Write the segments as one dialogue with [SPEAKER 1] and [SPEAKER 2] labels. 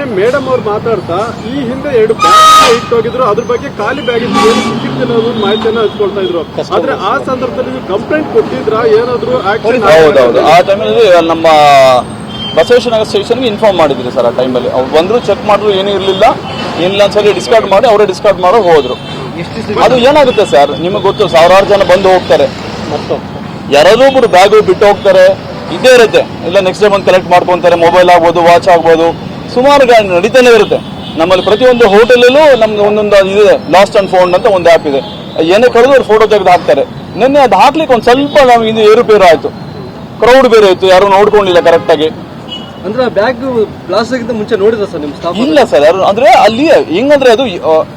[SPEAKER 1] Madam ಅವ್ರು ಮಾತಾಡ್ತಾ ಈ ಹಿಂದೆ 2 ಬ್ಯಾಗ್ ಇಟ್ಟೋಗಿದ್ರು, ಅದ್ರ ಬಗ್ಗೆ ಖಾಲಿ ಬ್ಯಾಗ್ ಸಿಕ್ಕಿರ್ತಿಲ್ಲ ಅನ್ನೋದು ಮಾಹಿತಿಯನ್ನ ಹಂಚ್ಕೊಳ್ತಾ ಇದ್ರು. ಆದ್ರೆ ಆ ಸಂದರ್ಭದಲ್ಲಿ ನೀವು ಕಂಪ್ಲೇಂಟ್ ಕೊಟ್ಟಿದ್ರ ಏನಾದ್ರು ಆಕ್ಷನ್?
[SPEAKER 2] ಹೌದೌದು, ಆ ಟೈಮಲ್ಲಿ ನಮ್ಮ ಬಸವೇಶ್ವರನಗರ ಸ್ಟೇಷನ್ಗೆ ಇನ್ಫಾರ್ಮ್ ಮಾಡಿದ್ರಿ ಸರ್. ಆ ಟೈಮಲ್ಲಿ ಅವ್ರು ಬಂದ್ರು, ಚೆಕ್ ಮಾಡಿದ್ರು, ಏನೂ ಇರಲಿಲ್ಲ. ಏನಿಲ್ಲ ಒಂದ್ಸರಿ ಡಿಸ್ಕಾರ್ಡ್ ಮಾಡಿ ಅವರೇ ಡಿಸ್ಕಾರ್ಡ್ ಮಾಡೋ ಹೋದ್ರು. ಅದು ಏನಾಗುತ್ತೆ ಸರ್, ನಿಮಗೆ ಗೊತ್ತು, ಸಾವಿರಾರು ಜನ ಬಂದು ಹೋಗ್ತಾರೆ, ಯಾರಾದ್ರೂ ಒಬ್ರು ಬ್ಯಾಗು ಬಿಟ್ಟು ಹೋಗ್ತಾರೆ, ಇದೇ ಇರುತ್ತೆ. ಇಲ್ಲ ನೆಕ್ಸ್ಟ್ ಡೇ ಬಂದು ಕಲೆಕ್ಟ್ ಮಾಡ್ಕೊಂತಾರೆ, ಮೊಬೈಲ್ ಆಗ್ಬೋದು, ವಾಚ್ ಆಗ್ಬೋದು, ಸುಮಾರು ನಡೀತಾನೆ ಇರುತ್ತೆ. ನಮ್ಮಲ್ಲಿ ಪ್ರತಿಯೊಂದು ಹೋಟೆಲಲ್ಲೂ ನಮ್ಗೆ ಒಂದೊಂದು ಇದೆ, ಲಾಸ್ಟ್ ಅಂಡ್ ಫೌಂಡ್ ಅಂತ ಒಂದು ಆ್ಯಪ್ ಇದೆ. ಏನೇ ಕಳೆದು ಅವ್ರು ಫೋಟೋ ತೆಗೆದು ಹಾಕ್ತಾರೆ. ನಿನ್ನೆ ಅದು ಹಾಕ್ಲಿಕ್ಕೆ ಒಂದು ಸ್ವಲ್ಪ ನಮ್ಗೆ ಇದು ಏರುಪೇರು ಆಯಿತು, ಕ್ರೌಡ್ ಬೇರೆ ಇತ್ತು, ಯಾರು ನೋಡ್ಕೊಂಡಿಲ್ಲ ಕರೆಕ್ಟಾಗಿ.
[SPEAKER 3] ಅಂದ್ರೆ ಬ್ಯಾಗ್ ಬ್ಲಾಸ್ಟ್ ಆಗಿದ್ದ ಮುಂಚೆ ನೋಡಿದ್ರ ಸರ್ ನಿಮ್ಮ ಸ್ಟಾಫ್?
[SPEAKER 2] ಇಲ್ಲ ಸರ್, ಯಾರು ಅಂದ್ರೆ ಅಲ್ಲಿ ಹೆಂಗಂದ್ರೆ ಅದು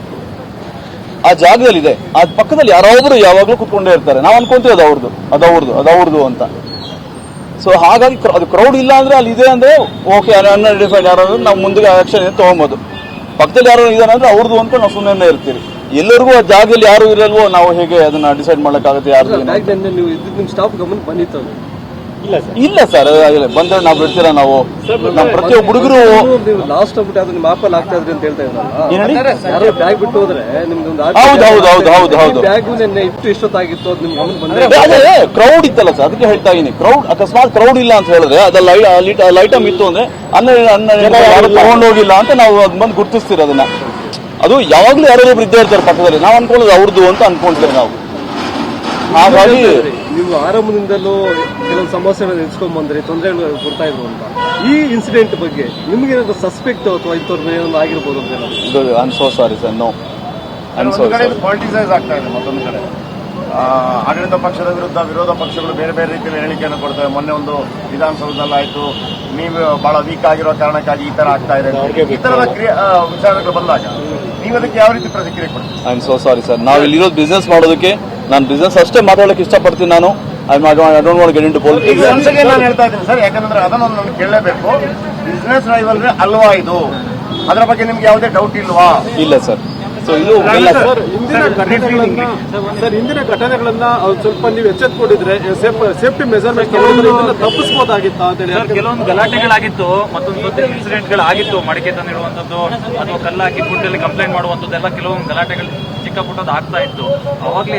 [SPEAKER 2] ಆ ಜಾಗದಲ್ಲಿ ಇದೆ, ಆ ಪಕ್ಕದಲ್ಲಿ ಯಾರೊಬ್ರು ಯಾವಾಗಲೂ ಕುತ್ಕೊಂಡೇ ಇರ್ತಾರೆ. ನಾವು ಅನ್ಕೊಂತೀವಿ ಅದವ್ರದ್ದು ಅಂತ. ಸೊ ಹಾಗಾಗಿ ಅದು ಕ್ರೌಡ್ ಇಲ್ಲ ಅಂದ್ರೆ ಅಲ್ಲಿ ಇದೆ ಅಂದ್ರೆ ಓಕೆ, ಅನ್ಐಡೆಂಟಿಫೈಡ್ ಯಾರು ನಾವು ಮುಂದೆ ಆಕ್ಷನ್ ತಗೊಬೋದು. ಪಕ್ಕದಲ್ಲಿ ಯಾರು ಇದಾರೆ ಅಂದ್ರೆ ಅವ್ರದ್ದು ಅನ್ಕೊಂಡು ನಾವು ಸುಮ್ಮನೆ ಇರ್ತೀವಿ. ಎಲ್ಲರಿಗೂ ಆ ಜಾಗದಲ್ಲಿ ಯಾರು ಇರಲ್ವೋ ನಾವು ಹೇಗೆ ಅದನ್ನ ಡಿಸೈಡ್ ಮಾಡಕ್ಕಾಗುತ್ತೆ? ಯಾರು
[SPEAKER 3] ನಿಮ್ಮ ಸ್ಟಾಫ್ ಗಮನ ಬಂದಿತ್ತು?
[SPEAKER 2] ಇಲ್ಲ ಸರ್, ಬಂದ್ರೆ ನಾವು ಬಿಡ್ತೀರಾ? ನಾವು ನಮ್ಮ ಪ್ರತಿಯೊಬ್ಬ ಹುಡುಗರು
[SPEAKER 3] ಲಾಸ್ಟ್ ಆಗ್ಬಿಟ್ಟು ಅದು ನಿಮ್ಮ ಆಪಲ್ ಆಗ್ತಾ ಇದ್ರಿ ಅಂತ ಹೇಳ್ತಾ ಇದ್ರಲ್ಲ, ಬ್ಯಾಗ್ ಬಿಟ್ಟು ಹೋದ್ರೆ ನಿಮ್ದೊಂದು
[SPEAKER 2] ಹೌದು
[SPEAKER 3] ಬ್ಯಾಗ್ ನಿನ್ನೆ ಇಷ್ಟೊತ್ತಾಗಿತ್ತು, ಅದು ನಿಮ್ ಗಮನ ಬಂದ್ರೆ?
[SPEAKER 2] ಅದೇ ಕ್ರೌಡ್ ಇತ್ತಲ್ಲ ಸರ್, ಅದಕ್ಕೆ ಹೇಳ್ತಾ ಇದೀನಿ. ಕ್ರೌಡ್ ಅಕಸ್ಮಾತ್ ಕ್ರೌಡ್ ಇಲ್ಲ ಅಂತ ಹೇಳಿದ್ರೆ ಅದ ಐಟಮ್ ಇತ್ತು ಅಂದ್ರೆ ಯಾರು ತಗೊಂಡೋಗಿಲ್ಲ ಅಂತ ನಾವು ಅದ್ ಬಂದು ಗುರ್ತಿಸ್ತೀವಿ. ಅದನ್ನ ಅದು ಯಾವಾಗ್ಲೂ ಯಾರೊಬ್ರು ಇದ್ದೇ ಇರ್ತಾರೆ ಪಕ್ಕದಲ್ಲಿ, ನಾವು ಅನ್ಕೊಳ್ಳೋದು ಅವ್ರದ್ದು ಅಂತ ಅನ್ಕೊಂತೀವಿ ನಾವು. ಹಾಗಾಗಿ
[SPEAKER 3] ನೀವು ಆರಂಭದಿಂದಲೂ ಕೆಲವೊಂದು ಸಮಸ್ಯೆಗಳನ್ನು ಎದುರಿಸ್ಕೊಂಡ್ ಬಂದ್ರಿ, ತೊಂದರೆಗಳು ಕೊಡ್ತಾ ಇದ್ರು ಅಂತ. ಈ ಇನ್ಸಿಡೆಂಟ್ ಬಗ್ಗೆ ನಿಮ್ಗೆ ಏನಾದ್ರು ಸಸ್ಪೆಕ್ಟ್ ಅಥವಾ ಇಂಥವ್ರು ಏನಾದ್ರು ಆಗಿರ್ಬೋದು ಅಂತ?
[SPEAKER 2] I am so sorry sir, no.
[SPEAKER 4] Politicize ಆಗ್ತಾ ಇದೆ. ಮತ್ತೊಂದು ಕಡೆ ಆಡಳಿತ ಪಕ್ಷದ ವಿರುದ್ಧ ವಿರೋಧ ಪಕ್ಷಗಳು ಬೇರೆ ಬೇರೆ ರೀತಿಯಲ್ಲಿ ಹೇಳಿಕೆಯನ್ನು ಕೊಡ್ತವೆ. ಮೊನ್ನೆ ಒಂದು ವಿಧಾನಸೌಧದಲ್ಲಾಯ್ತು, ನೀವು ಬಹಳ ವೀಕ್ ಆಗಿರೋ ಕಾರಣಕ್ಕಾಗಿ ಈ ತರ ಆಗ್ತಾ ಇದೆ, ಈ ತರದ ವಿಚಾರಗಳು ಬಂದಾಗ ನೀವು ಅದಕ್ಕೆ ಯಾವ ರೀತಿ ಪ್ರತಿಕ್ರಿಯೆ ಕೊಡ್ತೀವಿ?
[SPEAKER 2] I am so sorry sir. ನಾವು ಇಲ್ಲಿರೋದು ಬಿಸ್ನೆಸ್ ಮಾಡೋದಕ್ಕೆ, ನಾನು ಬಿಸ್ನೆಸ್ ಅಷ್ಟೇ ಮಾತಾಡೋಕೆ ಇಷ್ಟಪಡ್ತೀನಿ. ನಾನು I don't want get into politics.
[SPEAKER 4] ನಾನು ಹೇಳ್ತಾ ಇದ್ದೀನಿ ಸರ್, ಯಾಕಂದ್ರೆ ಅದನ್ನು ನಾನು ಕೇಳಲೇಬೇಕು. ಬಿಸ್ನೆಸ್ ರೈವಲ್ರಿ ಅಲ್ವಾ ಇದು? ಅದರ ಬಗ್ಗೆ ನಿಮ್ಗೆ ಯಾವುದೇ ಡೌಟ್ ಇಲ್ವಾ?
[SPEAKER 2] ಇಲ್ಲ ಸರ್. ಸೊ ಇದು
[SPEAKER 1] ಹಿಂದಿನ ಘಟನೆಗಳನ್ನ ಸ್ವಲ್ಪ ನೀವು ಎಚ್ಚೆತ್ಕೊಂಡಿದ್ರೆ ಸೇಫ್ಟಿ ಮೆಜರ್ಮೆಂಟ್ ತಪ್ಪಿಸಬಹುದಾಗಿತ್ತು ಅಂತ ಹೇಳಿ.
[SPEAKER 5] ಕೆಲವೊಂದು ಗಲಾಟೆಗಳಾಗಿತ್ತು, ಮತ್ತೊಂದು ಇನ್ಸಿಡೆಂಟ್ಗಳಾಗಿತ್ತು, ಮಡಿಕೆ ತಂದಿಡುವಂಥದ್ದು ಅಥವಾ ಕಲ್ಲು ಹಾಕಿ ಫುಡ್ಡಲ್ಲಿ ಕಂಪ್ಲೇಂಟ್ ಮಾಡುವಂಥದ್ದೆಲ್ಲ ಕೆಲವೊಂದು ಗಲಾಟೆಗಳು ಚಿಕ್ಕ ಪುಟ್ಟದ್ದು ಆಗ್ತಾ ಇತ್ತು. ಅವಾಗಲೇ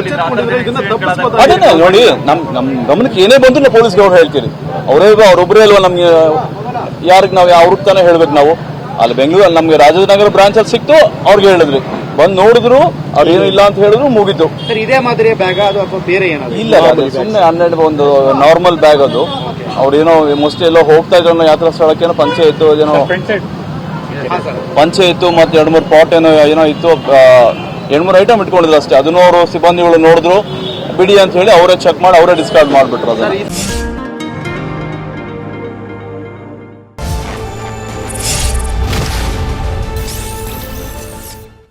[SPEAKER 2] ಅದೇ ನೋಡಿ, ನಮ್ ಗಮನಕ್ಕೆ ಏನೇ ಬಂದ್ರು ನಾವು ಪೊಲೀಸ್ಗೆ ಅವ್ರು ಹೇಳ್ತೀರಿ. ಅವ್ರೊಬ್ಬರೇ ಅಲ್ವಾ ನಮ್ಗೆ, ಯಾರಿಗೆ ನಾವು ಅವ್ರಿಗೆ ತಾನೇ ಹೇಳ್ಬೇಕು ನಾವು. ಅಲ್ಲಿ ಬೆಂಗಳೂರಲ್ಲಿ ನಮ್ಗೆ ರಾಜನಗರ ಬ್ರಾಂಚ್ ಅಲ್ಲಿ ಸಿಕ್ತು, ಅವ್ರಿಗೆ ಹೇಳಿದ್ರಿ, ಬಂದು ನೋಡಿದ್ರು, ಅವ್ರು ಏನು ಇಲ್ಲ ಅಂತ ಹೇಳಿದ್ರು, ಮುಗಿತು.
[SPEAKER 3] ಇದೇ ಮಾದರಿಯ ಬ್ಯಾಗ್ ಅದು ಅಥವಾ ಬೇರೆ ಏನಾದ್ರು? ಇಲ್ಲ,
[SPEAKER 2] ಸುಮ್ಮನೆ 12 ಒಂದು ನಾರ್ಮಲ್ ಬ್ಯಾಗ್ ಅದು. ಅವ್ರೇನೋ ಮೋಸ್ಟ್ಲಿ ಎಲ್ಲೋ ಹೋಗ್ತಾ ಇದ್ರು ಯಾತ್ರಾ ಸ್ಥಳಕ್ಕೆ, ಏನೋ ಪಂಚೆ ಇತ್ತು, ಮತ್ತೆ 2-3 ಪಾಟ್ ಏನೋ ಇತ್ತು, 2-3 ಐಟಮ್ ಇಟ್ಕೊಂಡಿದ್ರು ಅಷ್ಟೇ. ಅದನ್ನು ಅವರು ಸಿಬ್ಬಂದಿಗಳು ನೋಡಿದ್ರು, ಬಿಡಿ ಅಂತ ಹೇಳಿ ಅವರೇ ಚೆಕ್ ಮಾಡಿ ಅವರೇ ಡಿಸ್ಕಾರ್ಡ್ ಮಾಡಿಬಿಟ್ರು ಅದನ್ನ.